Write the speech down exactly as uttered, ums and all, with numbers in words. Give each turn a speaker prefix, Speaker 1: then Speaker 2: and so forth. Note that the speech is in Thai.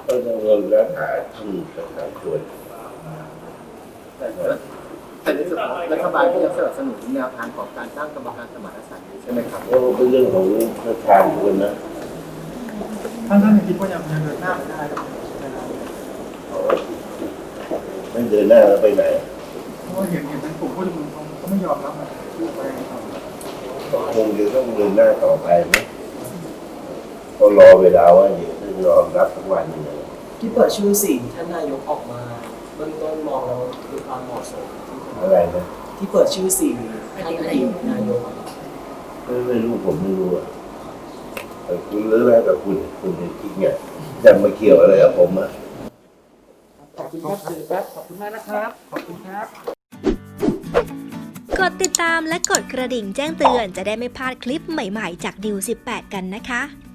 Speaker 1: ก็จะเงินแล้วหาที่สถานควร
Speaker 2: แต่แต่ในส่วนของรัฐบาลก็ยังสนับสนุนแนวทางของการตั้งกรรมการสมานฉันท์ใช่ไหมครับ
Speaker 1: ก็เป็นเรื่องของประธานคนนะ
Speaker 3: ท่านท่านคิดว่ายังยังเดินหน้าไม่ได้
Speaker 1: ไม่เดินหน้าแล้วไปไหน
Speaker 3: เพราะว่าเห็นเห็นทั้งกลุ่มผู้ชุมนุมเขาไม่ยอมรับนะไป
Speaker 1: ก็คงจะต้องเดินหน้าต่อไปไหมก็รอเวลาว่าเดี๋ยวจะยอมรับสักวันหนึ่ง
Speaker 4: ที่เปิดชื่อสี่ท่านนายกออกมาเบื้องต้นมองแล้วคือความเหมาะสม
Speaker 1: อะไรนะ
Speaker 4: ที่เปิดชื่อสี่ท่านอดีตนายก
Speaker 1: ไม่ไม่รู้ผมไม่รู้อ่ะคุณเลือกแล้วกับคุณคุณคิดไงจะมาเกี่ยวอะไรกับผมอ่ะ
Speaker 3: ขอบคุณครับสื่อครับขอบคุณมากนะครับขอบคุณครับ
Speaker 5: กดติดตามและกดกระดิ่งแจ้งเตือนจะได้ไม่พลาดคลิปใหม่ๆจากดิวสิบแปดกันนะคะ